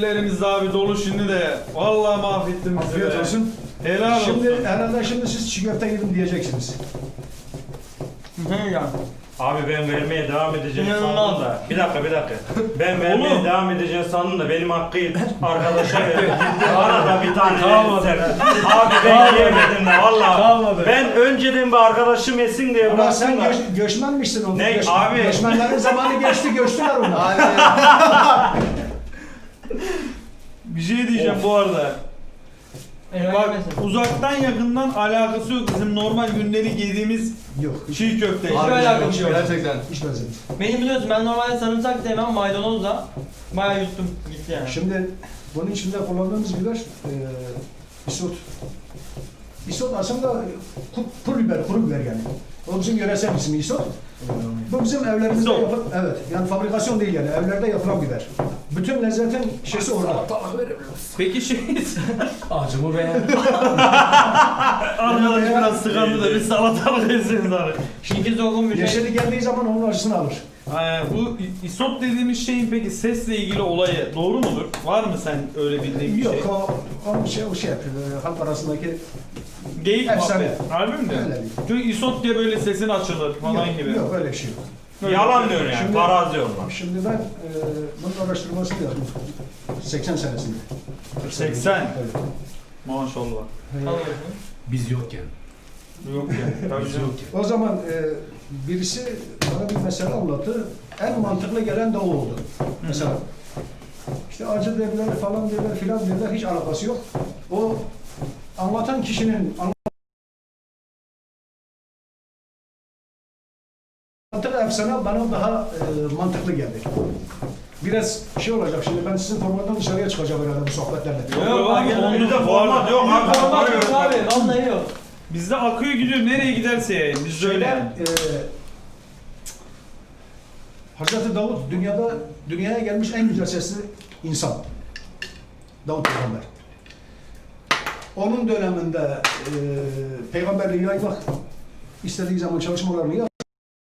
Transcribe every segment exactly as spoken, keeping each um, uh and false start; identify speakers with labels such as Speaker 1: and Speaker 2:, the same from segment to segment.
Speaker 1: ellerimiz abi dolu şimdi de. Vallahi mahvettin bizi.
Speaker 2: Afiyet olsun.
Speaker 1: Helal olsun.
Speaker 2: Şimdi herhalde şimdi siz çiğ köfte yedim diyeceksiniz.
Speaker 3: Hı ya.
Speaker 4: Abi ben vermeye devam edeceğim
Speaker 3: İnanılmaz.
Speaker 4: sandım da. Bir dakika bir dakika. Ben vermeye
Speaker 1: Oğlum.
Speaker 4: devam edeceğim sandım da benim hakkı arkadaşa verdim. Bana da bir tane
Speaker 1: Kalmadı.
Speaker 4: verirsen. Abi ben yiyemedim de valla.
Speaker 1: Kalmadı.
Speaker 4: Ben önceden bir arkadaşım yesin diye
Speaker 2: Ama
Speaker 4: bıraktım
Speaker 2: sen
Speaker 4: da.
Speaker 2: göç, göçmenmişsin onu.
Speaker 4: Ne
Speaker 2: Göç,
Speaker 4: abi?
Speaker 2: Göçmenlerin zamanı geçti, göçtüler onu.
Speaker 1: Bir şey diyeceğim bu arada. Bak
Speaker 3: Bak.
Speaker 1: uzaktan yakından alakası yok bizim normal gündelik yediğimiz
Speaker 2: Yok, hiç,
Speaker 1: çiğ köfte.
Speaker 3: Hiç
Speaker 1: Abi,
Speaker 3: alakası yok.
Speaker 5: Gerçekten.
Speaker 2: hiç benzemez.
Speaker 3: Beni biliyorsun ben normalde sarımsak da yemem maydanozla. Bayağı yuttum gitti yani.
Speaker 2: Şimdi bunun içinde kullandığımız biber e, isot. İsot aslında ku- pul biber, kuru biber yani. O bizim yöresel ismi isot. Bu bizim evlerimizde
Speaker 1: İsot.
Speaker 2: yapılan, evet yani fabrikasyon değil yani evlerde yapılan biber. Bütün lezzetin şeysi orada.
Speaker 1: Peki şey
Speaker 5: Acımı beğen.
Speaker 1: arkadaş biraz sıkandı da bir salatalık yesiniz abi.
Speaker 3: Şinki zogun bir şey.
Speaker 2: Yeşili geldiği zaman onun acısını alır.
Speaker 1: Ee, bu isot dediğimiz şeyin peki sesle ilgili olayı doğru mudur? Var mı sen öyle bildiğin bir
Speaker 2: Yok
Speaker 1: şey?
Speaker 2: o, o şey, o şey yapıyor. e, Halk arasındaki
Speaker 1: Geyik
Speaker 2: Efsane.
Speaker 1: muhabbet. Harbi mi diyorsun?
Speaker 2: Öyle değil.
Speaker 1: Çünkü isot diye böyle sesin açılır falan
Speaker 2: yok,
Speaker 1: gibi.
Speaker 2: yok öyle bir şey yok.
Speaker 4: Yalan diyor yani.
Speaker 2: Şimdi-
Speaker 4: Parazi onlar.
Speaker 2: Şimdi ben e, bunun araştırmasını yaptım. seksen senesinde.
Speaker 1: seksen.
Speaker 2: Evet.
Speaker 1: Maşallah.
Speaker 3: Alıyorsun.
Speaker 5: Biz yokken.
Speaker 1: Yok ya. Tabii
Speaker 5: Biz
Speaker 1: canım.
Speaker 5: yokken.
Speaker 2: O zaman e, birisi bana bir mesele anlattı. En mantıklı gelen de o oldu. Mesela işte acı derler falan derler filan derler hiç alakası yok. O anlatan kişinin anlattığı efsane bana daha e, mantıklı geldi. Biraz şey olacak şimdi ben sizin formattan dışarıya çıkacağım herhalde bu sohbetlerle.
Speaker 1: Yok abi,
Speaker 4: Bizde
Speaker 1: bizde
Speaker 4: format yok abi.
Speaker 3: Format yok abi. Vallahi yok.
Speaker 1: Bizde akıyor gidiyor nereye giderse yayın. Biz öyle yani.
Speaker 2: E, Hazreti Davut dünyada dünyaya gelmiş en güzel sesli insan. Davut Peygamber. Onun döneminde e, peygamberliği yaymak istediği zaman çalışmalarını yaptı.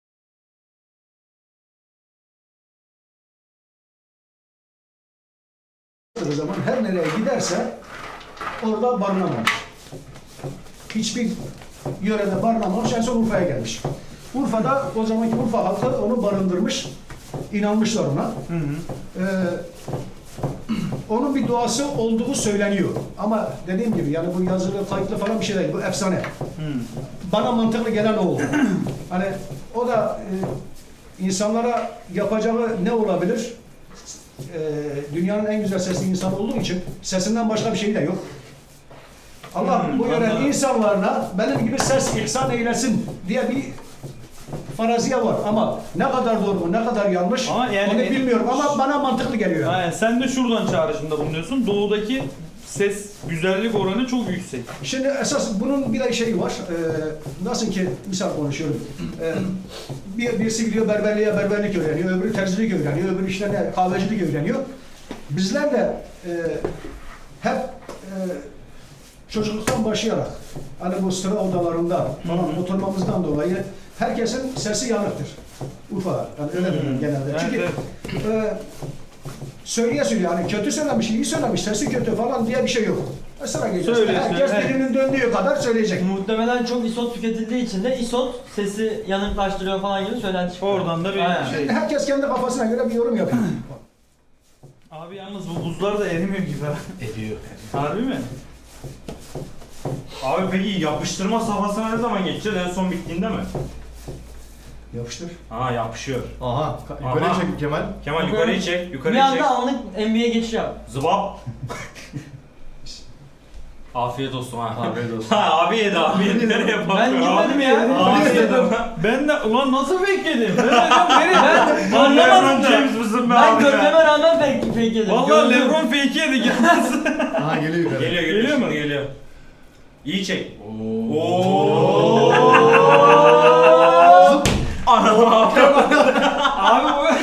Speaker 2: O zaman her nereye giderse orada barınamamış. Hiçbir yörede barınamamış, en son Urfa'ya gelmiş. Urfa'da o zamanki Urfa halkı onu barındırmış, inanmışlar ona.
Speaker 1: Hı hı.
Speaker 2: Ee, onun bir duası olduğu söyleniyor. Ama dediğim gibi yani bu yazılı, kayıtlı falan bir şey değil, bu efsane.
Speaker 1: Hı.
Speaker 2: Bana mantıklı gelen o oldu. Hani o da e, insanlara yapacağı ne olabilir? E, dünyanın en güzel sesli insanı olduğu için sesinden başka bir şey de yok. Allah
Speaker 1: Hmm,
Speaker 2: bu yören
Speaker 1: anladım.
Speaker 2: insanlarına benim gibi ses ihsan eylesin diye bir faraziye var ama ne kadar doğru, ne kadar yanlış
Speaker 1: Ama yani-
Speaker 2: onu bilmiyorum ama bana mantıklı geliyor.
Speaker 1: Aynen, sen de şuradan çağrışımda bulunuyorsun. Doğudaki ses güzellik oranı çok yüksek.
Speaker 2: Şimdi esas bunun bir de şeyi var. Ee, nasıl ki misal konuşuyorum. Ee, bir, birisi gidiyor berberliğe berberlik öğreniyor, öbürü terzilik öğreniyor, öbürü işte ne kahvecilik öğreniyor. Bizler de e, hep e, çocukluktan başlayarak hani bu sıra odalarında falan oturmamızdan dolayı herkesin sesi yanıktır. Urfa yani öyle
Speaker 1: Hı.
Speaker 2: dedim genelde.
Speaker 1: Evet,
Speaker 2: Çünkü
Speaker 1: evet.
Speaker 2: e, söyleye söyleye yani kötü söylemiş, iyi söylemiş, sesi kötü falan diye bir şey yok. Sıra geçiyor.
Speaker 1: Söyle,
Speaker 2: Herkes
Speaker 1: söyle.
Speaker 2: dilinin döndüğü kadar söyleyecek.
Speaker 3: Muhtemelen çok isot tüketildiği için de isot sesi yanıklaştırıyor falan gibi söylenti çıkıyor.
Speaker 1: Oradan da bir
Speaker 3: Aynen.
Speaker 1: şey.
Speaker 2: Herkes kendi kafasına göre bir yorum yapıyor.
Speaker 1: Abi yalnız bu buzlar da erimiyor gibi ha.
Speaker 5: Ediyor.
Speaker 1: Harbi mi?
Speaker 4: Abi peki yapıştırma safhasına ne zaman geçeceğiz? En son bittiğinde mi?
Speaker 2: Yapıştır.
Speaker 4: Ha yapışıyor.
Speaker 5: Aha. Yukarıya
Speaker 4: Aha.
Speaker 5: çek Kemal.
Speaker 4: Kemal yukarıyı çek,
Speaker 3: Bir
Speaker 4: yukarıyı çek.
Speaker 3: anda anlık N B A'ye geçiş yap.
Speaker 4: Zıbap. Afiyet olsun ha.
Speaker 5: Afiyet olsun.
Speaker 4: Ha abi yedi abi yedi. Nereye bakıyor?
Speaker 3: Ben yemedim ya.
Speaker 4: Abi yedi.
Speaker 1: Ben de ulan nasıl fake yedim? Ben dedim nereye?
Speaker 3: Ben
Speaker 1: Anlamadım
Speaker 4: Lebron
Speaker 1: da.
Speaker 4: James mısın be
Speaker 3: Ben
Speaker 4: abi ya?
Speaker 3: görmeme rağmen fake, fake yedim.
Speaker 1: Vallahi
Speaker 3: Gördüm.
Speaker 1: Lebron fake yedik yalnız.
Speaker 5: Aha geliyor yukarı.
Speaker 4: Geliyor geliyor,
Speaker 1: Geliyor mu?
Speaker 4: şimdi geliyor. İyi çek.
Speaker 5: Oo.
Speaker 4: Oo. Anam abi.
Speaker 1: Abi bu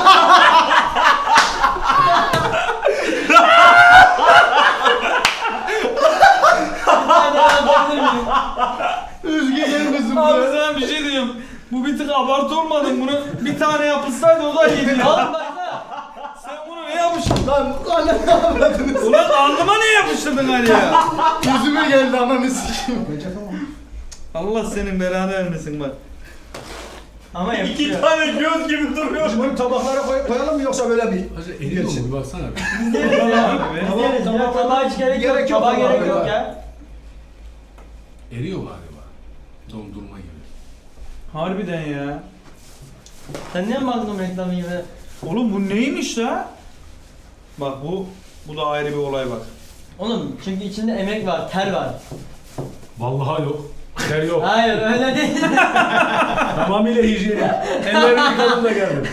Speaker 3: Hadi anlatabilir miyim?
Speaker 5: Üzgün gelmesin
Speaker 1: abi
Speaker 5: be.
Speaker 1: sana bir şey diyeyim. Bu bir tık abartı olmadı mı? Bunu bir tane yapılsaydı o da yedi ya.
Speaker 3: Oğlum baksana.
Speaker 1: Sen bunu ne yapmış
Speaker 5: yapıştı lan. Lan ne yapmadınız?
Speaker 1: Ulan alnıma ne yapıştırdın Ali ya?
Speaker 5: Yüzüme geldi ananı sikeyim.
Speaker 2: Bence tamam.
Speaker 1: Allah senin belanı vermesin bak.
Speaker 3: Ama
Speaker 4: İki
Speaker 3: yapışıyor.
Speaker 4: tane göz gibi duruyor.
Speaker 2: Biz bunu tabaklara koy- koyalım mı yoksa böyle mi?
Speaker 5: Hacı eriyor mu? Bir baksana bir.
Speaker 3: İzleriz ya.
Speaker 1: Abi be.
Speaker 3: İzleriz ya. Tabağa hiç gerek yok.
Speaker 2: Gerek yok
Speaker 3: Tabağa
Speaker 2: ama
Speaker 3: gerek
Speaker 2: abi
Speaker 3: yok
Speaker 2: ya.
Speaker 3: ya.
Speaker 5: Eriyor galiba. Dondurma gibi.
Speaker 1: Harbiden ya.
Speaker 3: Sen niye Magnum reklamı gibi?
Speaker 1: Oğlum bu neymiş la? Bak bu bu da ayrı bir olay bak.
Speaker 3: Oğlum çünkü içinde emek var, ter var.
Speaker 5: Vallahi yok. Ter yok.
Speaker 3: Hayır öyle değil.
Speaker 5: Tamamıyla hijyenik. Ellerimi yıkadım da geldim.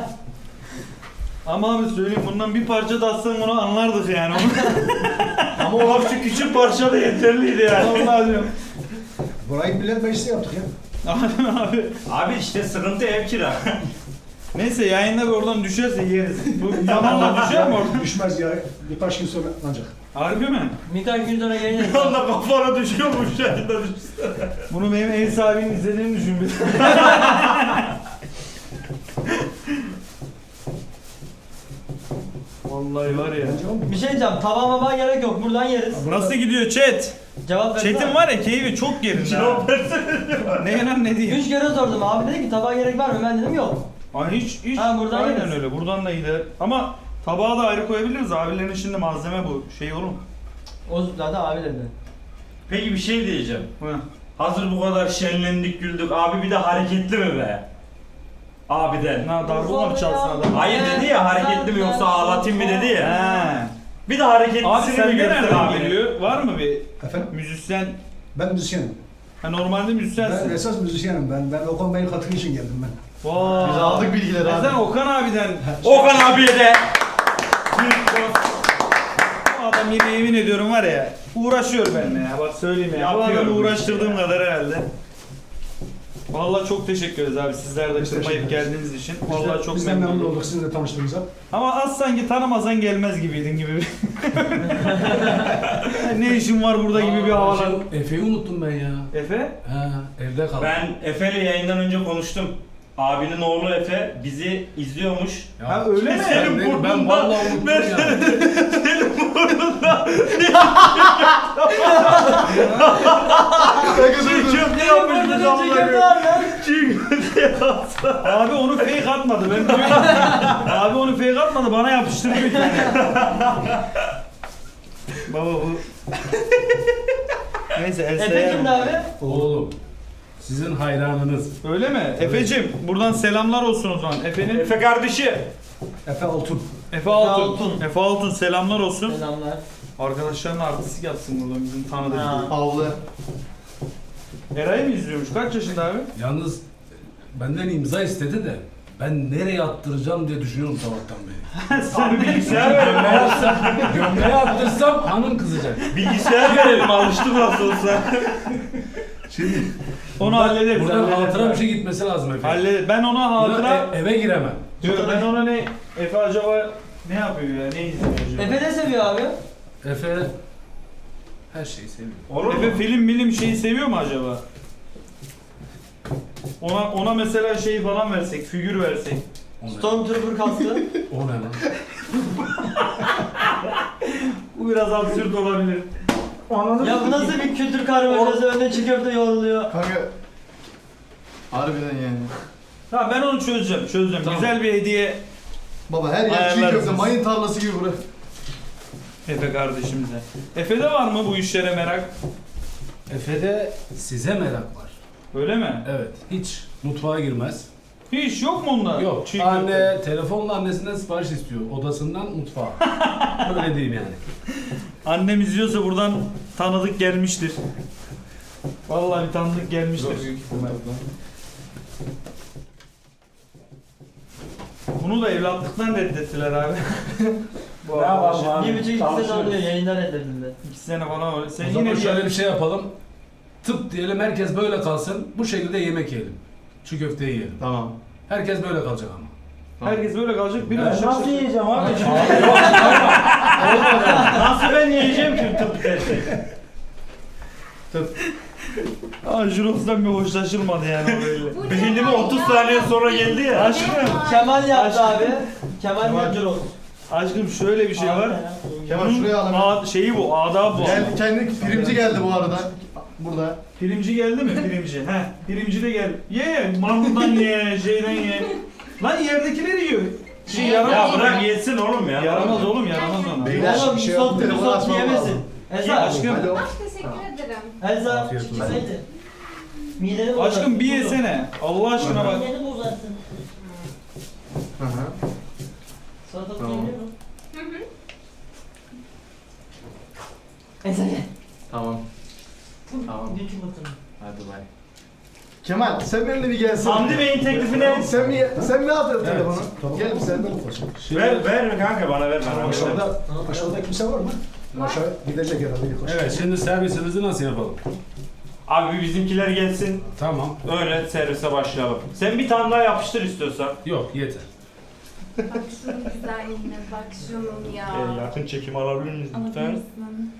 Speaker 1: Ama abi söyleyeyim bundan bir parça da atsan bunu anlardık yani.
Speaker 4: Ama o şu küçük parça da yeterliydi yani.
Speaker 1: Vallahi diyorum.
Speaker 2: Burayı millet meclisi yaptık ya.
Speaker 1: Abi abi.
Speaker 4: Abi işte sıkıntı ev kira.
Speaker 1: Neyse yayında bir oradan düşerse yeriz. Bu zamanla düşer mi orada?
Speaker 2: Düşmez ya. Birkaç gün sonra ancak.
Speaker 1: Harbi mi?
Speaker 3: Birkaç gün sonra geleceğiz.
Speaker 4: Bir anda kafana düşüyormuş yayında düşsene.
Speaker 1: Bunu benim ev sahibinin izlediğini düşün bir. Vallahi var ya.
Speaker 2: Bence o
Speaker 3: Bir şey diyeceğim. Tabağa maba gerek yok. Buradan yeriz.
Speaker 1: Nasıl gidiyor chat?
Speaker 3: Cevap versene.
Speaker 1: Chat'in var ya keyfi çok yerinde. ha.
Speaker 4: Cevap versene.
Speaker 1: Ne lan ne diyeyim?
Speaker 3: Üç kere sordum. Abi dedi ki tabağa gerek var mı? Ben dedim yok.
Speaker 1: Ay hiç hiç.
Speaker 3: Ha, buradan
Speaker 1: Aynen
Speaker 3: yeriz.
Speaker 1: öyle. Buradan da gider. Ama tabağa da ayrı koyabiliriz. Abilerin şimdi malzeme bu. Şey oğlum.
Speaker 3: O zaten abi dedi.
Speaker 4: Peki bir şey diyeceğim.
Speaker 1: Hı.
Speaker 4: Hazır bu kadar şenlendik güldük. Abi bir de hareketli mi be? Abiden.
Speaker 1: Na darbuka mı çalsın adam?
Speaker 4: Hayır dedi ya hareketli mi yoksa ağlatayım mı dedi ya.
Speaker 1: He.
Speaker 4: Bir de hareketlisini
Speaker 1: Abi
Speaker 4: mi
Speaker 1: sen
Speaker 4: göster
Speaker 1: nereden
Speaker 4: abi?
Speaker 1: geliyor? Var mı bir
Speaker 2: Efendim?
Speaker 1: müzisyen?
Speaker 2: Ben müzisyenim.
Speaker 1: Ha normalde
Speaker 2: Ben
Speaker 1: müzisyensin.
Speaker 2: esas müzisyenim. Ben ben Okan Bey'in katkı için geldim ben.
Speaker 1: Vay.
Speaker 5: Biz aldık bilgileri
Speaker 1: E
Speaker 5: abi.
Speaker 1: Sen Okan abiden.
Speaker 4: Okan abiye de.
Speaker 1: Bu adam yine yemin ediyorum var ya. Uğraşıyor benimle ya. Bak söyleyeyim ya. Bu
Speaker 4: Yapıyorum
Speaker 1: adamı
Speaker 4: bu
Speaker 1: uğraştırdığım
Speaker 4: işi ya.
Speaker 1: kadar herhalde. Vallahi çok teşekkür ederiz abi sizler de
Speaker 2: Biz
Speaker 1: kırmayıp
Speaker 2: teşekkür ederiz.
Speaker 1: geldiğiniz için.
Speaker 2: Biz de-
Speaker 1: Vallahi çok
Speaker 2: biz de
Speaker 1: memnun
Speaker 2: memnun
Speaker 1: oldum.
Speaker 2: olduk sizinle tanıştığımıza.
Speaker 1: Ama az sanki tanımazan gelmez gibiydin gibi. bir- ne işin var burada gibi bir havalar.
Speaker 5: Efe'yi unuttum ben ya.
Speaker 1: Efe?
Speaker 5: Ha, evde kaldım.
Speaker 4: Ben Efe'yle yayından önce konuştum. Abinin oğlu Efe bizi izliyormuş.
Speaker 5: Ya,
Speaker 1: Ha öyle mi?
Speaker 4: Senin
Speaker 5: ben, ben
Speaker 4: burnunda-
Speaker 5: vallahi unuttum
Speaker 4: ben-
Speaker 5: ya.
Speaker 4: Çiğ köfte yapmış bir de amına Çiğ köfte yapsa.
Speaker 1: Abi onu fake atmadı. Ben biliyorum. Abi onu fake atmadı. Bana yapıştırdı bir tane. Baba bu. Neyse el
Speaker 3: Efe
Speaker 1: sayarım.
Speaker 3: kimdi abi?
Speaker 5: Oğlum. Sizin hayranınız.
Speaker 1: Öyle mi? Efe'cim buradan selamlar olsun o zaman. Efe'nin
Speaker 4: Efe kardeşi.
Speaker 2: Efe Altun.
Speaker 1: Efe Altun.
Speaker 3: Altun.
Speaker 1: Efe Altun selamlar olsun.
Speaker 3: Selamlar.
Speaker 1: Arkadaşlarına artistik yapsın buradan bizim tanıdık.
Speaker 3: Ha.
Speaker 5: Havlı.
Speaker 1: Eray'ı mı izliyormuş? Kaç yaşında abi?
Speaker 5: Yalnız benden imza istedi de ben nereye attıracağım diye düşünüyorum sabahtan beri.
Speaker 4: Abi bilgisayar verelim.
Speaker 5: Gömleğe atsam, gömleğe attırsam hanım kızacak.
Speaker 4: Bilgisayar verelim alıştık nasıl olsa.
Speaker 5: Şimdi
Speaker 1: Onu hallederiz.
Speaker 5: buradan
Speaker 1: hallederiz
Speaker 5: hatıra
Speaker 1: abi.
Speaker 5: bir şey gitmesi lazım Efe.
Speaker 1: Hallederiz. Ben ona hatıra...
Speaker 5: Buna e- eve giremem.
Speaker 1: Diyor, ben ona ne... Efe acaba ne yapıyor ya? Ne izliyor acaba?
Speaker 3: Efe ne seviyor abi?
Speaker 5: Efe her şeyi seviyor.
Speaker 4: Olur mu?
Speaker 1: Efe film milim şeyi seviyor mu acaba? Ona ona mesela şey falan versek, figür versek.
Speaker 5: O ne?
Speaker 3: Stormtrooper kaskı.
Speaker 5: O ne lan?
Speaker 1: Bu biraz absürt olabilir.
Speaker 3: Ya bu nasıl bir kültür karmaşası? Önüne çiğ köfte yoğruluyor.
Speaker 6: Kanka harbiden yani.
Speaker 1: Ha ben onu çözeceğim, çözeceğim.
Speaker 5: Tamam.
Speaker 1: Güzel bir hediye
Speaker 6: Baba her yer çiğ
Speaker 1: Ayarlarız
Speaker 6: köfte,
Speaker 1: biz.
Speaker 6: mayın tarlası gibi bura.
Speaker 1: Efe kardeşimize. Efe'de var mı bu işlere merak?
Speaker 5: Efe'de size merak var.
Speaker 1: Öyle mi?
Speaker 5: Evet. Hiç mutfağa girmez.
Speaker 1: Hiç yok mu onda?
Speaker 5: Yok.
Speaker 1: Çiğ
Speaker 5: Anne
Speaker 1: köfte.
Speaker 5: telefonla annesinden sipariş istiyor. Odasından mutfağa. Öyle diyeyim yani.
Speaker 1: Annem izliyorsa buradan tanıdık gelmiştir. Vallahi bir tanıdık gelmiştir. Bunu da evlatlıktan reddettiler abi. Bu
Speaker 4: Ne yapalım
Speaker 1: arkadaş.
Speaker 4: abi?
Speaker 3: Bir buçuk iki sene
Speaker 4: Çalışıyoruz.
Speaker 3: oluyor yayından reddedildi.
Speaker 1: İki sene falan öyle. Sen
Speaker 5: O
Speaker 1: yine
Speaker 5: zaman
Speaker 1: bir
Speaker 5: şöyle bir şey yapalım. Tıp diyelim herkes böyle kalsın. Bu şekilde yemek yiyelim. Çiğ köfte yiyelim.
Speaker 6: Tamam.
Speaker 5: Herkes böyle kalacak ama.
Speaker 1: herkes böyle kalacak. Bir
Speaker 4: Ben
Speaker 1: aşağı
Speaker 4: nasıl
Speaker 1: aşağı-
Speaker 4: yiyeceğim abi? Nasıl ben yiyeceğim ki tıp desek?
Speaker 1: Aa Juros'tan bir hoşlaşılmadı yani o böyle.
Speaker 4: Beynime otuz saniye sonra geldi ya.
Speaker 1: Aşkım.
Speaker 3: Kemal yaptı abi. Kemal
Speaker 1: Kemal.
Speaker 3: Yıldırım.
Speaker 1: Aşkım şöyle bir şey var.
Speaker 6: Kemal
Speaker 1: Bunun
Speaker 6: şuraya alalım.
Speaker 1: ad- şeyi bu, adabı bu.
Speaker 6: Gel, kendi primci geldi bu arada. Burada.
Speaker 1: Primci geldi mi? Primci. He. Primci de gel. Ye, maruldan ye, şeyden ye. Lan yerdekileri yiyor. Şey
Speaker 4: Ya
Speaker 1: yaramaz.
Speaker 4: bırak yesin oğlum ya.
Speaker 1: Yaramaz oğlum, yaramaz ona.
Speaker 6: Beyler,
Speaker 3: Oğlum
Speaker 6: bir şey
Speaker 3: isot,
Speaker 6: yok, telefonu
Speaker 3: isot
Speaker 6: açmam
Speaker 3: yiyemesin.
Speaker 6: lazım.
Speaker 3: Elsa,
Speaker 1: Aşkım.
Speaker 6: Alo.
Speaker 7: Ah, teşekkür ederim.
Speaker 3: Elsa,
Speaker 5: Afiyet olsun.
Speaker 3: çıksaydı. Mideni bozarsın.
Speaker 1: Aşkım bir
Speaker 3: kuzu.
Speaker 1: yesene. Allah aşkına bak.
Speaker 3: Mideni bozarsın.
Speaker 6: Hı hı.
Speaker 3: Salatalık
Speaker 6: Tamam.
Speaker 3: yiyebilir mi?
Speaker 7: Hı hı.
Speaker 3: Elsa gel.
Speaker 6: Tamam. Tamam.
Speaker 3: Bir çubukunu.
Speaker 6: Hadi bay. Kemal sen benimle bir gelsin.
Speaker 4: Hamdi Bey'in teklifi ne?
Speaker 6: Sen mi sen mi aldın
Speaker 5: Evet.
Speaker 6: telefonu?
Speaker 2: Tamam.
Speaker 6: Gel bir sen de.
Speaker 4: Ver, ver kanka bana ver. Ben
Speaker 2: Aşağıda, aşağıda kimse var mı? Aşağı gidecek herhalde yukarı.
Speaker 5: Evet, şimdi servisimizi nasıl yapalım?
Speaker 4: Abi bizimkiler gelsin.
Speaker 5: Tamam.
Speaker 4: Öyle servise başlayalım. Sen bir tane daha yapıştır istiyorsan.
Speaker 5: Yok, yeter.
Speaker 7: Bak şunun güzelliğine, bak şunun ya.
Speaker 4: Ee, yakın çekim alabilir miyiz
Speaker 7: Alabilir
Speaker 4: lütfen?
Speaker 7: misin?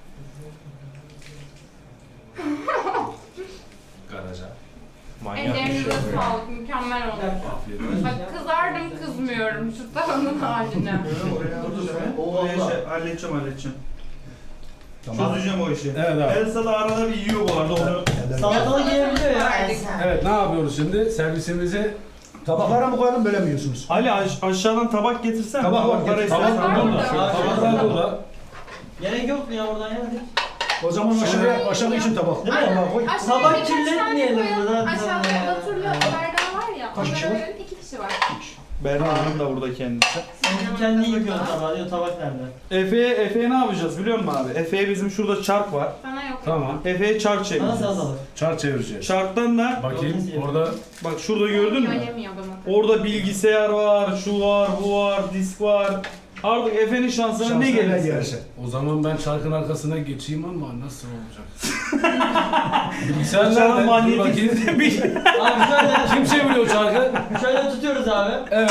Speaker 5: Garaja.
Speaker 4: Manyak bir şey.
Speaker 7: Ellerinize sağlık, mükemmel oldu.
Speaker 5: Afiyet olsun.
Speaker 7: Bak kızardım kızmıyorum şu tavanın haline.
Speaker 1: Oraya şey, halledeceğim halledeceğim.
Speaker 2: Tamam.
Speaker 1: Çözeceğim o işi.
Speaker 5: Evet abi.
Speaker 1: Elsa da arada bir yiyor bu arada onu.
Speaker 3: Salatalık yiyebiliyor ya
Speaker 7: Verdik.
Speaker 3: Elsa.
Speaker 5: Evet, ne yapıyoruz şimdi? Servisimizi
Speaker 2: Tabaklara mı koyalım böyle mi yiyorsunuz?
Speaker 1: Ali aş- aşağıdan tabak getirsen.
Speaker 2: Tabak var,
Speaker 1: Tabaklara
Speaker 2: getir.
Speaker 1: istersen.
Speaker 7: Tabak var
Speaker 1: Tamam.
Speaker 7: mı?
Speaker 5: tabaklar burada.
Speaker 3: Gerek yok mu ya oradan yemedik?
Speaker 2: O zaman aşağıya, aşağıda için tabak.
Speaker 3: Değil mi?
Speaker 2: Tabağa koy.
Speaker 7: Aşağıya
Speaker 3: Sabah
Speaker 7: birkaç tane
Speaker 3: kirletmeyelim
Speaker 7: koyalım.
Speaker 3: burada.
Speaker 7: Aşağıda Batur'la Berdan var ya.
Speaker 2: Kaç kişi
Speaker 7: onlara
Speaker 2: var?
Speaker 7: verelim, iki kişi var.
Speaker 1: Berna Hanım da burada kendisi.
Speaker 3: Sen kendi yıkıyorsun tabağı diyor tabak nerede?
Speaker 1: Efe'ye Efe'ye ne yapacağız biliyor musun abi? Efe'ye bizim şurada çark var.
Speaker 7: Sana yok.
Speaker 5: Tamam.
Speaker 1: Efe'ye çark
Speaker 3: Bana
Speaker 1: çevireceğiz.
Speaker 3: salatalık.
Speaker 5: Çar çevireceğiz.
Speaker 1: Çarktan da
Speaker 5: Bakayım orada
Speaker 1: bak şurada gördün mü?
Speaker 7: Yönemiyor bana.
Speaker 1: Orada bilgisayar var, şu var, bu var, disk var. Artık Efe'nin şansına ne
Speaker 2: Şansına
Speaker 1: gelirse.
Speaker 2: gelirse.
Speaker 5: o zaman ben çarkın arkasına geçeyim ama nasıl olacak? Bilgisayar
Speaker 1: Aşağıdan
Speaker 5: nerede? Dur
Speaker 1: manyetik
Speaker 5: bakayım.
Speaker 1: sistem bir
Speaker 3: Abi şöyle,
Speaker 5: Kim çeviriyor çarkı?
Speaker 3: şöyle tutuyoruz abi.
Speaker 5: Evet.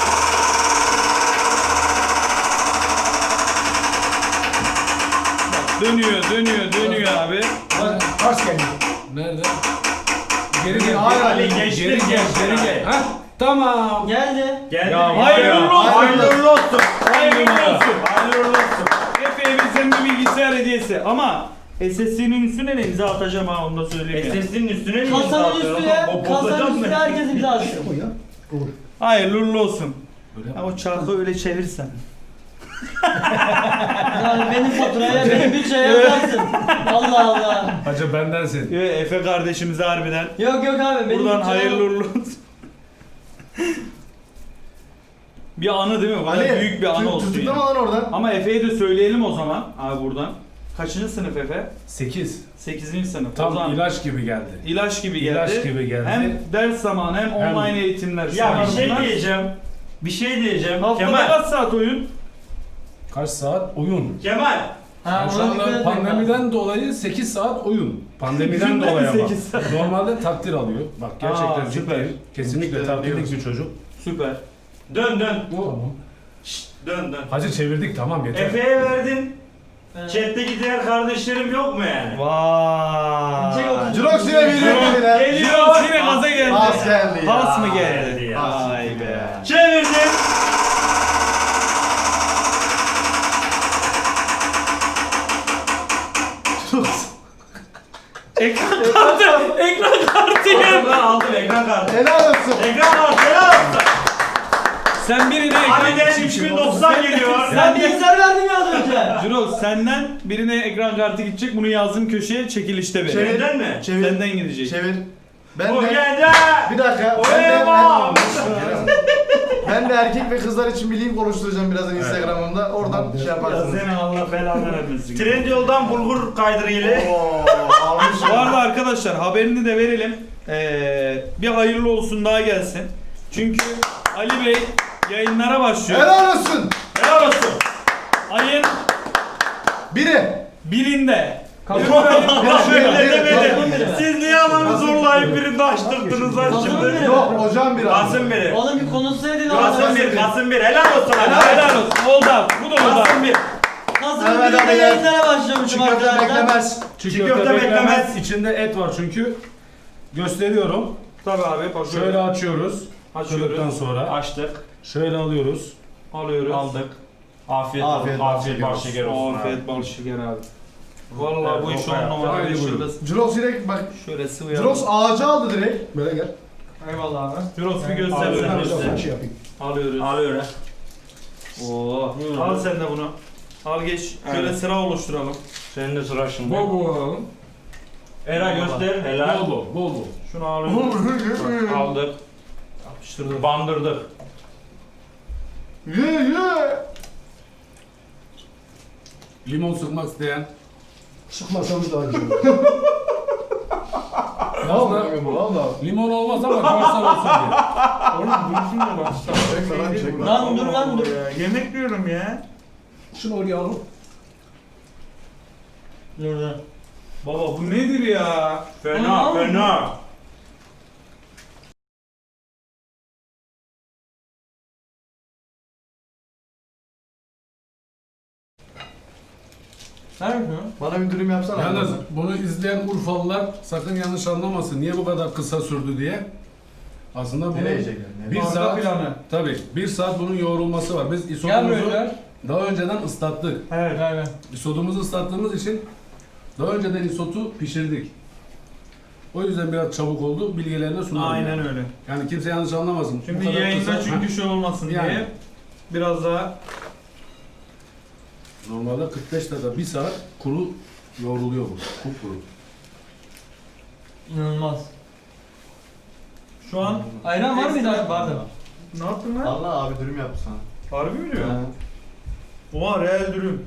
Speaker 1: dönüyor, dönüyor, dönüyor abi.
Speaker 2: Bak, ters geliyor.
Speaker 5: Nerede? Geri gel.
Speaker 6: Hayır,
Speaker 5: geri,
Speaker 4: Ali,
Speaker 5: gel,
Speaker 4: geçtin,
Speaker 5: geri gel,
Speaker 4: geçtin
Speaker 5: geri
Speaker 4: Ali.
Speaker 5: gel. Ha? Tamam.
Speaker 3: Geldi.
Speaker 4: Geldi.
Speaker 5: Ya,
Speaker 4: mi?
Speaker 1: hayırlı olsun.
Speaker 4: Hayırlı olsun.
Speaker 1: Hayırlı olsun.
Speaker 4: Hayırlı olsun.
Speaker 1: Efe'ye bizden bir bilgisayar hediyesi ama S S D'nin üstüne de imza atacağım ha onu da söyleyeyim ya.
Speaker 4: S S'nin üstüne mi imza
Speaker 3: Kasanın
Speaker 4: atıyorsun?
Speaker 3: üstüne,
Speaker 4: O bozacak
Speaker 3: kasanın
Speaker 4: mı?
Speaker 3: üstüne herkes imza atsın.
Speaker 2: Koy ya. Olur.
Speaker 1: Hayırlı uğurlu olsun.
Speaker 5: Böyle
Speaker 1: Ha, o çarkı öyle çevirsen.
Speaker 3: Yani benim faturaya, benim bütçeye yazarsın. Allah Allah.
Speaker 5: Hacı bendensin.
Speaker 1: Yo, Efe kardeşimize harbiden.
Speaker 3: Yok yok abi benim
Speaker 1: Buradan
Speaker 3: bütçeye-
Speaker 1: hayırlı uğurlu olsun. Bir anı değil mi? Bu kadar büyük bir anı olsun.
Speaker 6: Tutuklama
Speaker 1: Yani.
Speaker 6: lan oradan.
Speaker 1: Ama Efe'ye de söyleyelim o zaman abi buradan. Kaçıncı sınıf Efe?
Speaker 5: sekiz.
Speaker 1: sekizinci sınıf. o
Speaker 5: Tam
Speaker 1: zaman
Speaker 5: ilaç gibi geldi.
Speaker 1: ilaç gibi geldi.
Speaker 5: İlaç gibi geldi.
Speaker 1: Hem ders zamanı hem,
Speaker 5: Hem-
Speaker 1: online eğitimler.
Speaker 4: Ya
Speaker 1: şunlar
Speaker 4: bir şey
Speaker 1: bunlar.
Speaker 4: diyeceğim. Bir şey diyeceğim.
Speaker 1: Haftada
Speaker 4: Kemal.
Speaker 1: kaç saat oyun?
Speaker 5: Kaç saat oyun?
Speaker 4: Kemal.
Speaker 3: Ha,
Speaker 5: Yani şu
Speaker 3: ona dikkat
Speaker 5: anda
Speaker 3: etmek lazım.
Speaker 5: pandemiden dolayı sekiz saat oyun. Pandemiden dolayı ama.
Speaker 1: sekiz saat.
Speaker 5: Normalde takdir alıyor. Bak gerçekten
Speaker 1: Aa, süper.
Speaker 5: ciddiyim. Kesinlikle
Speaker 6: İşte
Speaker 5: takdirlik
Speaker 6: diyoruz.
Speaker 5: bir çocuk.
Speaker 1: Süper.
Speaker 4: Dön dön.
Speaker 5: Tamam.
Speaker 4: Şşt, dön dön.
Speaker 5: Hacı çevirdik tamam yeter.
Speaker 4: Efe'ye verdin.
Speaker 3: Evet.
Speaker 4: Chat'teki diğer kardeşlerim yok mu yani?
Speaker 1: Vay.
Speaker 3: Çek otuz.
Speaker 6: Jirox yine veriyor bile.
Speaker 1: Geliyor yine gaza geldi.
Speaker 6: Pas geldi ya.
Speaker 1: Pas mı
Speaker 4: Geldi
Speaker 1: geldi?
Speaker 4: ya.
Speaker 1: Vay be.
Speaker 4: Çevirdim.
Speaker 1: Ekran kartı. Ekran kartı ya.
Speaker 4: Ben aldım ekran kartı.
Speaker 6: Helal olsun.
Speaker 4: Ekran kartı helal olsun.
Speaker 1: Sen birine ekran
Speaker 4: Harbiden üç bin doksan geliyor.
Speaker 3: Sen bilgisayar verdin ya az önce.
Speaker 1: Jurox senden birine ekran kartı gidecek. Bunu yazdım köşeye çekilişte ver.
Speaker 6: Çevir.
Speaker 4: Senden mi?
Speaker 6: Çevir.
Speaker 1: Senden gidecek.
Speaker 6: Çevir. Ben
Speaker 4: O
Speaker 6: de...
Speaker 4: geldi.
Speaker 6: Bir dakika.
Speaker 4: O
Speaker 6: Ben de,
Speaker 4: eyvah.
Speaker 6: ben, ben de erkek ve kızlar için bir link oluşturacağım birazdan Instagram'ımda. Oradan şey
Speaker 1: Ya
Speaker 6: yaparsınız.
Speaker 1: seni Allah belanı vermesin.
Speaker 4: Trendyol'dan bulgur kaydırıyla.
Speaker 6: Oo, almış.
Speaker 1: Bu arada arkadaşlar haberini de verelim. Ee, bir hayırlı olsun daha gelsin. Çünkü Ali Bey yayınlara başlıyor.
Speaker 6: Helal olsun.
Speaker 4: Helal olsun.
Speaker 1: Ayın
Speaker 6: Biri.
Speaker 1: birinde.
Speaker 4: Şöyle
Speaker 6: bir,
Speaker 4: demedim.
Speaker 3: bir.
Speaker 4: Siz niye adamı zorlayıp birini açtırdınız lan
Speaker 3: Kasım
Speaker 4: şimdi?
Speaker 3: bir.
Speaker 6: Yok hocam bir abi.
Speaker 4: Kasım biri.
Speaker 3: Oğlum bir konuşsaydın
Speaker 4: Kasım
Speaker 3: abi.
Speaker 4: bir. Kasım bir. Helal olsun.
Speaker 1: Helal, helal olsun. Oldu abi. Bu da oldu abi.
Speaker 4: Kasım bir.
Speaker 3: Kasım
Speaker 6: Evet,
Speaker 3: birinde
Speaker 6: evet.
Speaker 3: yayınlara başlamışım
Speaker 6: Çiğ köfte
Speaker 3: arkadaşlar.
Speaker 6: beklemez.
Speaker 5: Çiğ
Speaker 4: Çiğ
Speaker 5: köfte
Speaker 4: köfte
Speaker 5: beklemez.
Speaker 4: beklemez.
Speaker 5: İçinde et var çünkü. Gösteriyorum.
Speaker 1: Tabii abi. Bak
Speaker 5: Şöyle açıyoruz.
Speaker 1: açıyoruz.
Speaker 5: Açtıktan sonra
Speaker 4: Açtık.
Speaker 5: şöyle alıyoruz.
Speaker 1: Alıyoruz.
Speaker 4: Aldık. Afiyet
Speaker 6: Afiyet
Speaker 4: olsun.
Speaker 6: bal
Speaker 4: Afiyet
Speaker 6: şeker
Speaker 4: bal şeker olsun abi.
Speaker 1: Afiyet bal şeker abi. Vallahi bu iş on numara.
Speaker 5: Haydi
Speaker 1: Bir
Speaker 5: buyurun.
Speaker 1: Şöyle,
Speaker 6: Jirox direkt bak.
Speaker 1: şöyle sıvayalım.
Speaker 6: Jirox ağacı aldı direkt.
Speaker 2: Böyle gel.
Speaker 3: Eyvallah abi.
Speaker 1: Jirox bir
Speaker 2: Ben
Speaker 1: göstersene
Speaker 2: bir
Speaker 1: bize.
Speaker 2: şey yapayım.
Speaker 1: Alıyoruz.
Speaker 4: Alıyor ha.
Speaker 1: Oo. Al sen de bunu. Al geç. Şöyle
Speaker 4: Aynen.
Speaker 1: sıra oluşturalım.
Speaker 4: Senin de sıra şimdi.
Speaker 5: Bol bol alalım.
Speaker 4: Era göster. Helal.
Speaker 5: Bol bol, bol bol.
Speaker 1: Şunu alıyoruz.
Speaker 4: Aldık.
Speaker 1: Yapıştırdım.
Speaker 4: Bandırdık.
Speaker 6: Ye ye.
Speaker 5: Limon sıkmak isteyen.
Speaker 2: Sıkmasanız daha güzel.
Speaker 5: Aslında
Speaker 6: Valla.
Speaker 5: limon olmaz ama görsel olsun diye.
Speaker 1: Oğlum dursun da bak.
Speaker 6: Çekme lan çekme.
Speaker 3: Lan dur lan dur.
Speaker 1: Ya, yemek diyorum ya.
Speaker 2: Şunu oraya alalım.
Speaker 3: Dur dur.
Speaker 1: Baba bu nedir ya?
Speaker 4: Fena
Speaker 3: Aman.
Speaker 4: fena.
Speaker 3: Ver şunu.
Speaker 6: Bana bir dürüm yapsana.
Speaker 5: Yalnız bunu izleyen Urfalılar sakın yanlış anlamasın. Niye bu kadar kısa sürdü diye. Aslında bunun
Speaker 6: Nereye yiyecekler? Nereye?
Speaker 5: bir
Speaker 1: Arka
Speaker 5: saat,
Speaker 1: planı.
Speaker 5: tabii bir saat bunun yoğrulması var. Biz
Speaker 3: Gel
Speaker 5: isotumuzu
Speaker 3: böyle.
Speaker 5: daha önceden ıslattık.
Speaker 1: Evet.
Speaker 3: Ver ver.
Speaker 5: İsotumuzu ıslattığımız için daha önceden isotu pişirdik. O yüzden biraz çabuk oldu. Bilgilerini sunalım.
Speaker 1: Aynen
Speaker 5: yani.
Speaker 1: öyle.
Speaker 5: Yani kimse yanlış anlamasın. Bu
Speaker 1: Şimdi
Speaker 5: kadar
Speaker 1: yayında
Speaker 5: kısa-
Speaker 1: çünkü şey olmasın
Speaker 5: Yani.
Speaker 1: diye biraz daha
Speaker 5: Normalde kırk beş dakika, bir saat kuru yoğruluyor bu. Kupkuru.
Speaker 3: İnanılmaz.
Speaker 1: şu an
Speaker 3: Ayran var mıydı abi? Vardı.
Speaker 1: ne yaptın lan?
Speaker 6: Allah abi dürüm yaptı sana.
Speaker 1: Harbi mi diyor? Oha real dürüm.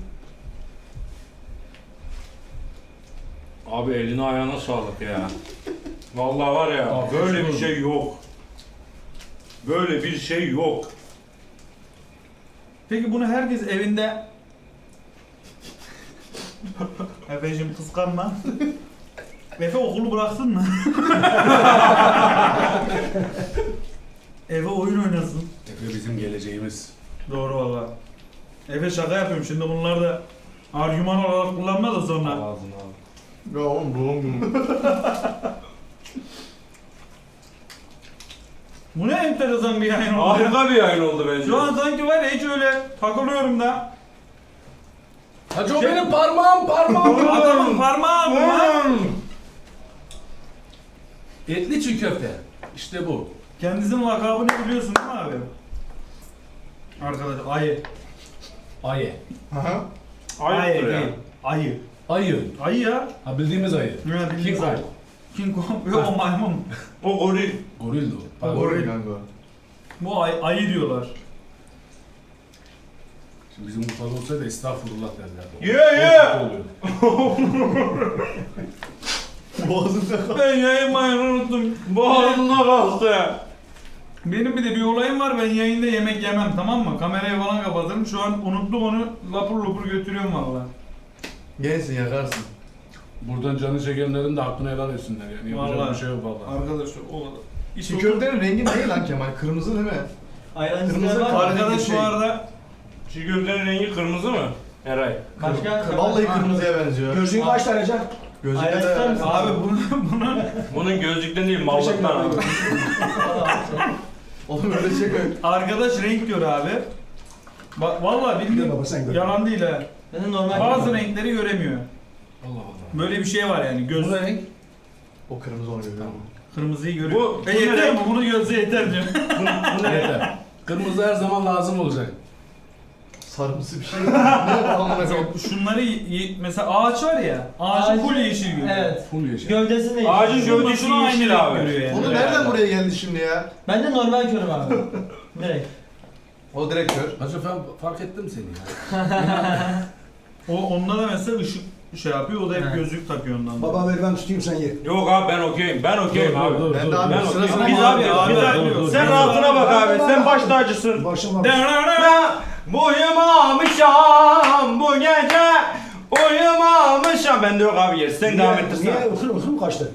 Speaker 4: Abi eline ayağına sağlık ya. Vallahi var ya
Speaker 5: Afiyet
Speaker 4: böyle bir
Speaker 5: olsun.
Speaker 4: şey yok. Böyle bir şey yok.
Speaker 1: Peki bunu herkes evinde Efe'cim kıskanma. Efe okulu bıraksın mı? Eve oyun oynasın.
Speaker 5: Efe bizim geleceğimiz.
Speaker 1: Doğru valla. Efe şaka yapıyorum şimdi bunlar da argüman olarak kullanma da sonra.
Speaker 5: Ağzını al.
Speaker 6: Ya oğlum doğum günü.
Speaker 1: Bu ne enteresan bir yayın oldu.
Speaker 4: Harika bir yayın oldu bence.
Speaker 1: Şu an sanki var ya hiç öyle takılıyorum da.
Speaker 5: Hacı o benim parmağım parmağım.
Speaker 1: Adamın parmağı bu lan.
Speaker 5: Etli çiğ köfte. İşte bu.
Speaker 1: Kendisinin lakabını biliyorsun değil mi abi? Arkadaş ayı.
Speaker 5: Ayı.
Speaker 6: Aha.
Speaker 4: Ayıptır ya.
Speaker 1: değil. Ayı.
Speaker 5: Ayı.
Speaker 1: Ayı ya.
Speaker 5: Ha bildiğimiz ayı.
Speaker 1: Ne bileyim
Speaker 5: King
Speaker 1: ben.
Speaker 5: Kong.
Speaker 1: King Kong. Yok o maymun.
Speaker 4: O goril.
Speaker 5: Goril de o. Pardon.
Speaker 1: Goril.
Speaker 6: Kanka.
Speaker 1: Bu ay, ayı diyorlar.
Speaker 5: Şimdi bizim Urfa'da olsaydı estağfurullah derlerdi.
Speaker 4: Ye ye.
Speaker 5: O kötü oluyor.
Speaker 6: Boğazında
Speaker 1: Ben yayınmayı unuttum.
Speaker 4: Boğazına kalktı.
Speaker 1: Benim bir de bir olayım var. Ben yayında yemek yemem tamam mı? Kamerayı falan kapatırım. Şu an unuttum onu. Lapur lapur götürüyorum valla.
Speaker 6: Gelsin yakarsın.
Speaker 5: Buradan canı çekenlerin de hakkını helal etsinler yani. Yapacak
Speaker 1: Vallahi.
Speaker 5: bir şey yok vallahi.
Speaker 1: Arkadaşlar o kadar. İş
Speaker 6: Çiğ
Speaker 1: oldu.
Speaker 6: köftenin rengi ne lan Kemal? Kırmızı değil mi?
Speaker 3: Ayran
Speaker 6: Kırmızı
Speaker 3: isteyen var mı?
Speaker 6: kar-
Speaker 1: Arkadaş
Speaker 6: Şey.
Speaker 1: bu arada
Speaker 4: Çiğ köftenin rengi kırmızı mı? Eray.
Speaker 3: Başka?
Speaker 6: Vallahi kırmızıya benziyor.
Speaker 2: Gözlüğün kaç tane can?
Speaker 6: Gözlükte
Speaker 3: Ayran ister
Speaker 6: de
Speaker 3: misin?
Speaker 1: abi bunun bunun
Speaker 4: Bunun gözlükten değil mallıktan abi.
Speaker 6: oğlum öyle şey koy.
Speaker 1: arkadaş renk gör abi. Bak vallahi
Speaker 2: Gör
Speaker 1: bildiğin
Speaker 2: baba sen gör.
Speaker 1: yalan değil ha.
Speaker 3: Ben de normal.
Speaker 1: Bazı renkleri göremiyor.
Speaker 5: Allah Allah.
Speaker 1: Böyle bir şey var yani göz
Speaker 5: Bu renk
Speaker 6: O kırmızı onu görüyor.
Speaker 1: kırmızıyı görüyor.
Speaker 4: Bu-
Speaker 1: e
Speaker 4: bu
Speaker 1: yeter
Speaker 4: ne
Speaker 1: mi? Bunu gözle yeter diyor.
Speaker 4: Bu ne?
Speaker 5: yeter. Kırmızı her zaman lazım olacak.
Speaker 6: Sarımsı bir şey. Ne amına koyayım?
Speaker 1: Şunları y- y- mesela ağaç var ya. Ağacı
Speaker 3: Ağacı-
Speaker 1: full yeşil görüyor.
Speaker 3: Evet.
Speaker 5: Full yeşil.
Speaker 3: Gövdesi de
Speaker 4: Ağacın
Speaker 3: yeşil.
Speaker 1: Şunun
Speaker 4: gövdesi
Speaker 1: başına aynı
Speaker 4: yeşil
Speaker 1: renk
Speaker 4: abi.
Speaker 1: görüyor yani.
Speaker 6: Onu nereden buraya geldi şimdi ya?
Speaker 3: Ben de normal körüm abi. Direkt.
Speaker 6: O direkt kör.
Speaker 5: Hacı ben fark ettim seni ya.
Speaker 1: O onda da mesela ışık şey yapıyor. O da hep
Speaker 3: Evet.
Speaker 1: gözlük takıyor ondan.
Speaker 2: Baba ver ben tutayım sen ye.
Speaker 4: Yok abi ben okeyim. Ben okeyim
Speaker 5: Dur,
Speaker 4: abi.
Speaker 5: dur, dur,
Speaker 6: Ben
Speaker 5: dur,
Speaker 6: de abi
Speaker 5: dur.
Speaker 6: sırasına
Speaker 4: Biz
Speaker 6: mı
Speaker 4: abi,
Speaker 6: abi?
Speaker 4: biz abi.
Speaker 5: dur, dur,
Speaker 4: Sen
Speaker 5: dur.
Speaker 4: rahatına bak abi. Sen baş tacısın.
Speaker 2: Başım var.
Speaker 4: Ben uyumamışam bu gece. Uyumamışam. Ben de yok abi yer. Sen devam ettirsen.
Speaker 2: Niye ıhır ıhır mı kaçtı?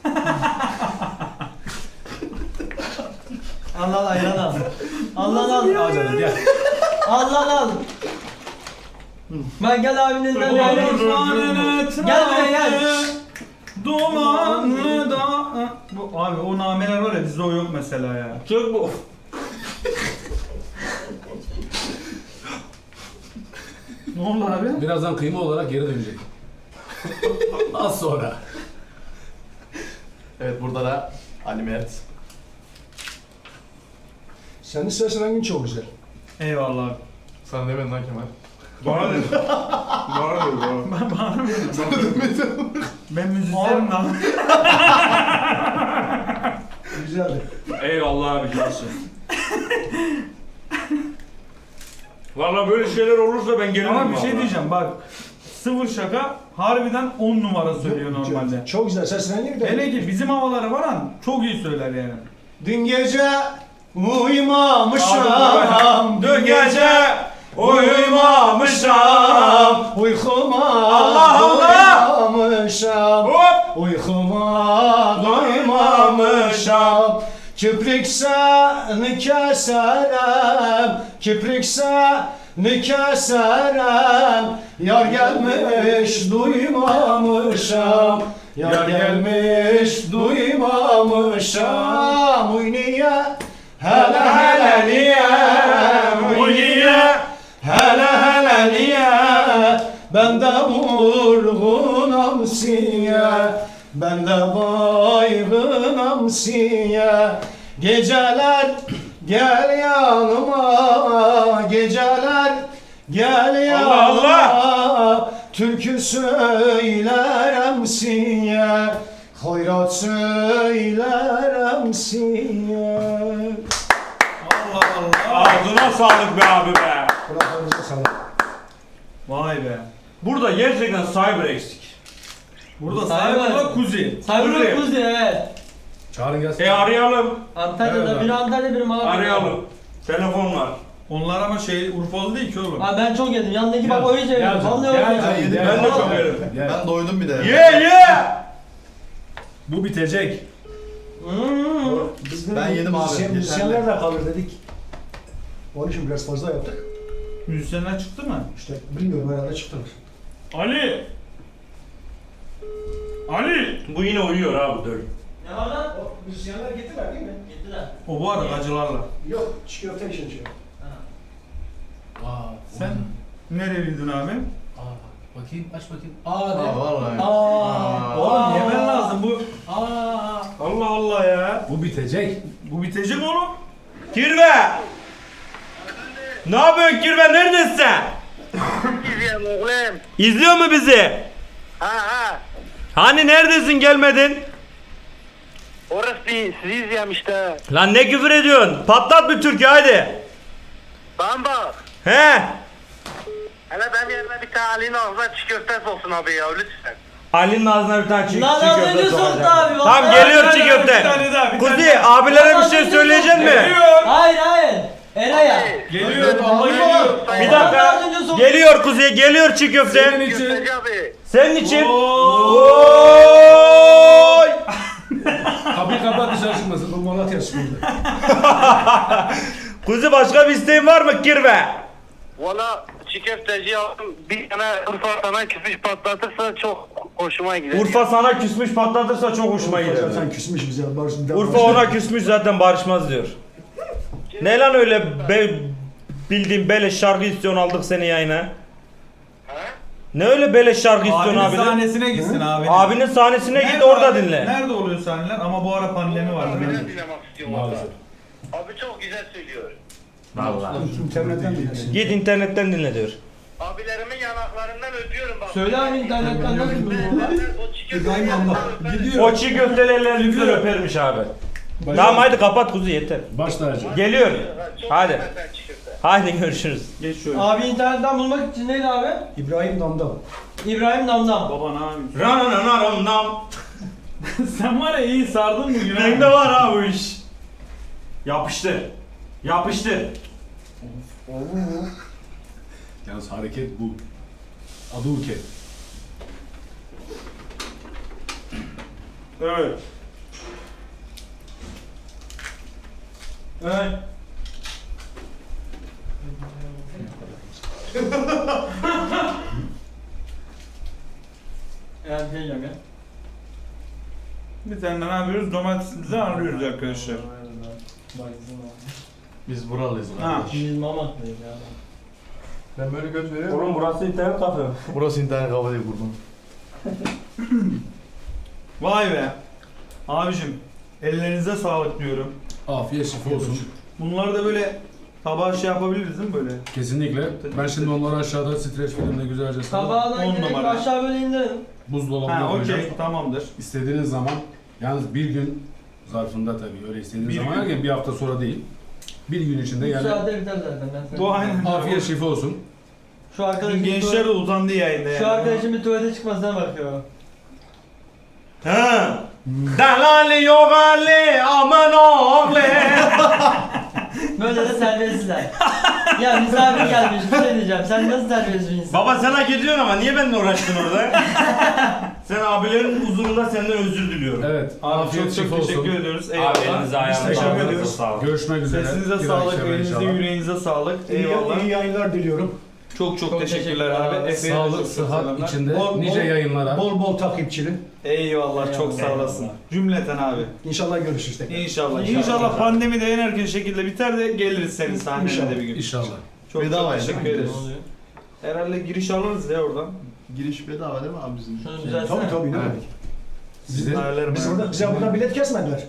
Speaker 3: Al al ayran al. Al al al.
Speaker 5: Al canım gel.
Speaker 3: Al al al. Ben gel abinin elinden bir ayran. Gel buraya gel.
Speaker 1: Dumanlı da... Bu, abi o nameler var ya bizde o yok mesela ya.
Speaker 4: Çok bu.
Speaker 1: Ne oldu abi?
Speaker 5: Birazdan kıyma olarak geri dönecek. Az sonra.
Speaker 6: Evet burada da Ali Mert.
Speaker 2: Senin ses rengin çok güzel.
Speaker 1: Eyvallah abi.
Speaker 6: Sana demedim lan Kemal.
Speaker 4: Bana dedi. Bana dedi. Bana.
Speaker 1: Ben bana mı dedim? Sana demedim. Ben müzisyenim lan.
Speaker 2: Güzeldi.
Speaker 4: Eyvallah abi cansın. Valla böyle şeyler olursa ben gelirim.
Speaker 1: Ama bir şey
Speaker 4: vallahi.
Speaker 1: diyeceğim bak. Sıfır şaka harbiden on numara söylüyor normalde.
Speaker 2: Çok güzel ses rengi de.
Speaker 1: Hele ki bizim havaları falan çok iyi söyler yani.
Speaker 2: Dün gece uyumamışım.
Speaker 4: Dün gece uyumamışım.
Speaker 2: Uykuma
Speaker 4: Allah Allah!
Speaker 2: doymamışım.
Speaker 4: Hop!
Speaker 2: Uykuma doymamışım. Kiprikse keserem, kiprikse keserem. Yar gelmiş duymamışım, yar gelmiş duymamışım. Uy niye, hele hele niye, uy niye, hele hele niye. Ben de vurgunam siye, ben de baygınam siye. Geceler gel yanıma, geceler gel yanıma.
Speaker 4: Allah
Speaker 2: Türkü söylerim siye, hayrat söylerim siye.
Speaker 1: Allah Allah.
Speaker 4: Ağzına sağlık be abi be.
Speaker 2: Kulaklarınıza sağlık.
Speaker 1: Vay be.
Speaker 4: Burada gerçekten cyber eksik.
Speaker 1: Burada
Speaker 3: Cyber.
Speaker 1: Cyber'la Kuzi.
Speaker 3: Cyber Kuzi evet.
Speaker 5: Çağırın gelsin.
Speaker 4: E arayalım.
Speaker 3: Antalya'da
Speaker 5: Evet,
Speaker 3: biri
Speaker 5: abi.
Speaker 3: Antalya biri Malatya'da.
Speaker 4: Arayalım. Telefon var.
Speaker 1: Onlar ama şey Urfalı değil ki oğlum.
Speaker 3: Abi ben çok yedim. Yanındaki bak
Speaker 5: Gel,
Speaker 3: o iyice
Speaker 5: gel
Speaker 3: yedim.
Speaker 5: canım,
Speaker 3: Vallahi
Speaker 5: gel
Speaker 3: öyle.
Speaker 5: canım,
Speaker 6: Ben yedim.
Speaker 5: gel.
Speaker 4: Ben de çok yerim.
Speaker 5: Gel.
Speaker 6: Ben doydum bir de.
Speaker 4: Ye ye.
Speaker 1: Bu bitecek.
Speaker 3: Hmm.
Speaker 2: Biz de
Speaker 6: Ben yedim abi,
Speaker 2: müzisyen-
Speaker 6: yeterli.
Speaker 2: Müzisyenler de kalır dedik. Onun için biraz fazla yaptık.
Speaker 1: Müzisyenler çıktı mı?
Speaker 2: İşte bilmiyorum herhalde çıktılar.
Speaker 1: Ali. Ali.
Speaker 4: Bu yine uyuyor abi dur.
Speaker 3: Ne var lan?
Speaker 2: O müzisyenler gittiler değil mi?
Speaker 3: Gittiler.
Speaker 1: O bu arada acılarla.
Speaker 2: Yok, çiğ köfte için şey.
Speaker 5: Aa,
Speaker 1: Sen nereliydin abi?
Speaker 5: Aa, bakayım aç bakayım. Aa de.
Speaker 6: Aa vallahi.
Speaker 5: Aa.
Speaker 1: Oğlum yemen lazım bu.
Speaker 5: Aa.
Speaker 1: Allah Allah ya.
Speaker 5: Bu bitecek.
Speaker 1: Bu bitecek oğlum.
Speaker 4: Kirve. Ne yapıyorsun Kirve? Neredesin sen?
Speaker 8: İzliyorum oğlum.
Speaker 4: İzliyor mu bizi?
Speaker 8: Ha ha.
Speaker 4: Hani neredesin gelmedin?
Speaker 8: Orası değil, sizi izliyorum işte.
Speaker 4: Lan ne küfür ediyorsun? Patlat bir türkü hadi.
Speaker 8: Bana bak.
Speaker 4: He.
Speaker 8: Hele benim yerime bir tane Ali'nin ağzına çiğ köfte olsun abi ya lütfen.
Speaker 4: Ali'nin ağzına bir tane çiğ,
Speaker 3: Lan
Speaker 4: çiğ
Speaker 3: az
Speaker 4: köfte
Speaker 3: önce
Speaker 4: sokacağım.
Speaker 3: soktu abi,
Speaker 4: Tamam
Speaker 3: vallahi.
Speaker 4: geliyor
Speaker 1: Bir
Speaker 4: çiğ
Speaker 1: tane daha,
Speaker 4: köfte.
Speaker 1: bir tane daha, bir tane
Speaker 4: Kuzi
Speaker 1: daha.
Speaker 4: abilere
Speaker 3: Lan
Speaker 4: bir
Speaker 3: az
Speaker 4: şey
Speaker 3: önce
Speaker 4: söyleyecek
Speaker 3: soktu.
Speaker 4: mi?
Speaker 1: Geliyor.
Speaker 3: Hayır hayır. Eray'a.
Speaker 1: Geliyor. Baba geliyor.
Speaker 4: Bir
Speaker 3: Az
Speaker 4: dakika.
Speaker 3: önce soktu.
Speaker 4: Geliyor Kuzi, geliyor çiğ köfte.
Speaker 5: Senin için.
Speaker 8: Köfteci abi.
Speaker 4: Senin için.
Speaker 1: Oo.
Speaker 4: Oy!
Speaker 5: Kapıyı kapat dışarı çıkmasın.
Speaker 2: Bu Malatya Spor'da.
Speaker 4: Kuzi başka bir isteğin var mı Kirve?
Speaker 8: Valla çiğ köfteci aldım. Bir tane Urfa sana küfür patlatırsa çok hoşuma gider.
Speaker 4: Urfa sana küsmüş patlatırsa çok hoşuma gider.
Speaker 2: Sen küsmüş bize. Barış,
Speaker 4: Urfa ona küsmüş zaten barışmaz diyor. Ne lan öyle be, bildiğin beleş şarkı istiyorsun aldık seni yayına. Ne öyle beleş şarkı istiyorsun
Speaker 1: Abinin
Speaker 4: abiden?
Speaker 1: sahnesine gitsin abi.
Speaker 4: Abinin sahnesine git
Speaker 1: Nerede
Speaker 4: orada
Speaker 1: abi?
Speaker 4: dinle.
Speaker 1: Nerede oluyor sahneler? Ama bu ara pandemi var.
Speaker 8: Abiden
Speaker 1: değil mi?
Speaker 8: dinlemek istiyorum
Speaker 5: Maalesef.
Speaker 8: valla. Abi çok güzel söylüyor.
Speaker 4: Vallahi.
Speaker 2: İnternetten dinlesin.
Speaker 4: Git internetten dinle diyor.
Speaker 8: Abilerimin yanaklarından öpüyorum bak.
Speaker 3: Söyle abi internetten nasıl buluyorsun lan?
Speaker 8: O çiğ köfteci
Speaker 2: İbrahim Allah.
Speaker 1: Gidiyor.
Speaker 4: O çiğ köftelerle güzel öpermiş abi. Tamam haydi kapat kuzu yeter.
Speaker 5: Baş tacı.
Speaker 4: Geliyor.
Speaker 8: Çok
Speaker 4: Hadi.
Speaker 8: güzel sen çiğ köfte.
Speaker 4: Haydi görüşürüz.
Speaker 1: Geç şöyle.
Speaker 3: Abi internetten bulmak için neydi abi?
Speaker 2: İbrahim Damdam.
Speaker 3: İbrahim Damdam.
Speaker 1: Baba ne yapıyorsun?
Speaker 4: Ranananaramnam.
Speaker 1: Sen var ya iyi sardın bugün ha.
Speaker 4: Bende var ha bu iş. Yapıştır. Yapıştır.
Speaker 5: Yalnız hareket bu. Adı Uke.
Speaker 1: Evet. Evet.
Speaker 3: Yani şey diyeceğim ya.
Speaker 1: Bir tane ne yapıyoruz? Domatesimizi alıyoruz arkadaşlar.
Speaker 6: Biz buralıyız.
Speaker 1: Ha.
Speaker 3: Biz Mamak'tayız ya.
Speaker 6: Ben böyle göz veriyorum.
Speaker 4: Oğlum burası internet kafe.
Speaker 6: Burası internet kafa değil buradan.
Speaker 1: Vay be. Abicim ellerinize sağlık diyorum.
Speaker 5: Afiyet şifa olsun.
Speaker 1: Bunları da böyle tabağa şey yapabiliriz değil mi böyle?
Speaker 5: Kesinlikle. Ben şimdi onları aşağıda streç filmde güzelce sarıp
Speaker 3: Tabağına
Speaker 1: On
Speaker 3: gerek
Speaker 1: numara.
Speaker 3: aşağı böyle indirelim.
Speaker 5: buzdolabına
Speaker 1: Ha
Speaker 5: koyacağım.
Speaker 1: okey tamamdır.
Speaker 5: İstediğiniz zaman, yalnız bir gün zarfında tabii öyle istediğiniz
Speaker 1: Bir
Speaker 5: zaman
Speaker 1: gün.
Speaker 5: yani bir hafta sonra değil. Bir gün içinde
Speaker 3: Bir
Speaker 5: yani
Speaker 3: saate biter zaten ben sana.
Speaker 1: Bu aynen.
Speaker 5: afiyet şifa olsun.
Speaker 3: Şu arkadaşım bir
Speaker 1: Gençler de
Speaker 3: tuvalet-
Speaker 1: uzandı yayında yani.
Speaker 3: Şu arkadaşım bir tuvalete çıkmasına bakıyor.
Speaker 4: Ha. Dalali yok Ali aman oğlu.
Speaker 3: Böyle de terbiyesizler. Ya misafir gelmiş bir şey diyeceğim. Sen nasıl terbiyesiz bir insan?
Speaker 4: Baba sen hak ediyorsun ama niye benimle uğraştın orada? Sen abilerin huzurunda senden özür diliyorum.
Speaker 5: Evet.
Speaker 1: Abi
Speaker 5: afiyet
Speaker 1: çok
Speaker 5: şifa
Speaker 1: çok teşekkür
Speaker 5: olsun.
Speaker 1: ediyoruz.
Speaker 4: Abi
Speaker 1: Eyvallah.
Speaker 4: elinize
Speaker 1: Biz
Speaker 4: ayağınıza
Speaker 1: teşekkür
Speaker 4: sağlık.
Speaker 1: ediyoruz.
Speaker 4: Sağ olun.
Speaker 5: Görüşmek üzere.
Speaker 1: Sesinize
Speaker 5: Bir
Speaker 1: sağlık,
Speaker 5: dahaki
Speaker 1: elinize
Speaker 5: inşallah.
Speaker 1: yüreğinize sağlık.
Speaker 2: İyi,
Speaker 1: Eyvallah.
Speaker 2: iyi yayınlar diliyorum.
Speaker 1: Çok çok,
Speaker 3: Çok
Speaker 1: teşekkürler
Speaker 3: teşekkürler
Speaker 1: abi.
Speaker 3: abi.
Speaker 1: Efe'ye de
Speaker 5: Sağlık,
Speaker 1: çok çok
Speaker 5: sıhhat
Speaker 1: selamlar.
Speaker 5: içinde
Speaker 2: Bol-
Speaker 5: nice
Speaker 2: bol-
Speaker 5: yayınlara.
Speaker 2: Bol bol takipçili.
Speaker 1: Eyvallah çok sağ
Speaker 3: Eyvallah.
Speaker 1: olasın. Cümleten abi.
Speaker 2: İnşallah görüşürüz tekrar.
Speaker 1: İnşallah.
Speaker 3: İnşallah.
Speaker 1: İnşallah pandemi de en erken şekilde biter de geliriz senin sahnene
Speaker 2: İnşallah.
Speaker 1: de bir gün.
Speaker 5: İnşallah.
Speaker 1: Çok
Speaker 6: Bedava
Speaker 1: çok
Speaker 6: yani,
Speaker 1: teşekkür
Speaker 6: değil mi?
Speaker 1: ederiz.
Speaker 3: Ne oluyor?
Speaker 1: Herhalde giriş alırız ya oradan.
Speaker 6: Giriş bedava değil mi abi bizim?
Speaker 3: Şunu düzeltsene.
Speaker 2: Tabii tabii ne
Speaker 5: Evet.
Speaker 2: demek.
Speaker 5: Sizin
Speaker 1: Ayarlarım
Speaker 2: Biz
Speaker 1: ben.
Speaker 2: burada, bize buradan bilet kesmediler.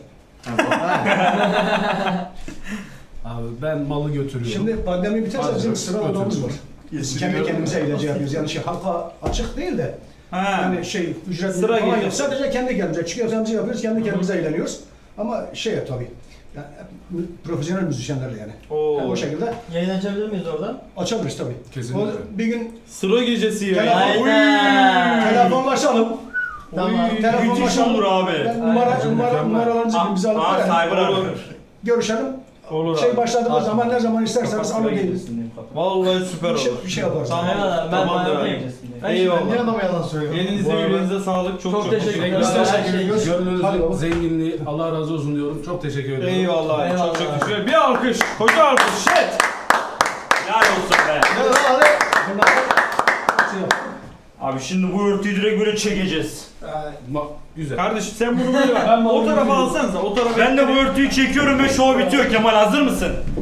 Speaker 5: abi ben malı götürüyorum.
Speaker 2: Şimdi pandemi biterse bizim
Speaker 5: Hadi,
Speaker 2: sıraladığımız var. Biz kendi kendimize eğlence yapıyoruz. Yani şey halka açık değil de
Speaker 1: Ha.
Speaker 2: yani şey ücretli
Speaker 1: Sıra
Speaker 2: falan
Speaker 1: geliyor.
Speaker 2: yok. Sadece kendi kendimize çıkıyoruz, yapıyoruz, kendi kendimize eğleniyoruz. Ama şey ya tabii. Yani profesyonel müzisyenlerle yani.
Speaker 1: Oo.
Speaker 2: Yani o şekilde
Speaker 3: Yayın açabilir miyiz oradan?
Speaker 2: açabiliriz tabii.
Speaker 5: Kesinlikle.
Speaker 2: O bir gün
Speaker 1: Sıra gecesi ya.
Speaker 2: Telefon-
Speaker 1: Oy.
Speaker 3: Aynen.
Speaker 2: telefonlaşalım.
Speaker 3: Tamam.
Speaker 1: Oy, Müthiş
Speaker 2: Telefonlaşalım.
Speaker 1: olur abi.
Speaker 2: Ben numara,
Speaker 3: Aynen.
Speaker 2: numara,
Speaker 5: Mükemmel.
Speaker 2: numaralarınızı bize alıp
Speaker 4: Aa,
Speaker 2: verelim.
Speaker 4: cyber
Speaker 1: Olur.
Speaker 4: arar.
Speaker 2: Görüşelim.
Speaker 1: Olur
Speaker 2: Şey
Speaker 1: abi.
Speaker 2: başladığımız zaman ne zaman isterseniz alın gelin.
Speaker 1: Vallahi süper
Speaker 2: Bir şey,
Speaker 1: olur.
Speaker 2: bir şey yaparız.
Speaker 1: Tamam.
Speaker 3: Eyvallah, ben
Speaker 1: Tamamdır
Speaker 3: bayağı
Speaker 1: abi.
Speaker 3: okeyim.
Speaker 1: Eyvallah.
Speaker 6: Niye adama yalan söylüyorsun?
Speaker 1: Elinize
Speaker 5: Bu arada-
Speaker 1: yüreğinize sağlık. Çok
Speaker 3: Çok
Speaker 1: çok,
Speaker 3: teşekkür
Speaker 1: teşekkür
Speaker 3: ederim.
Speaker 1: ederim.
Speaker 2: Biz
Speaker 3: Her
Speaker 2: teşekkür
Speaker 3: şey
Speaker 2: ediyoruz. Hadi
Speaker 5: Gönlünüzün
Speaker 2: bakalım.
Speaker 5: zenginliği Allah razı olsun diyorum. Çok teşekkür ediyorum.
Speaker 1: Eyvallah.
Speaker 3: Eyvallah.
Speaker 1: Çok çok teşekkür ederim. Bir alkış. Koca alkış. Shit.
Speaker 4: Helal olsun be.
Speaker 2: Bunlar da şey yap.
Speaker 4: Abi şimdi bu örtüyü direkt böyle çekeceğiz.
Speaker 5: Ma- güzel.
Speaker 1: Kardeşim sen bunu böyle bak. O tarafa alsanıza. O tarafa.
Speaker 4: Ben de bu örtüyü çekiyorum ve show bitiyor. Kemal hazır mısın?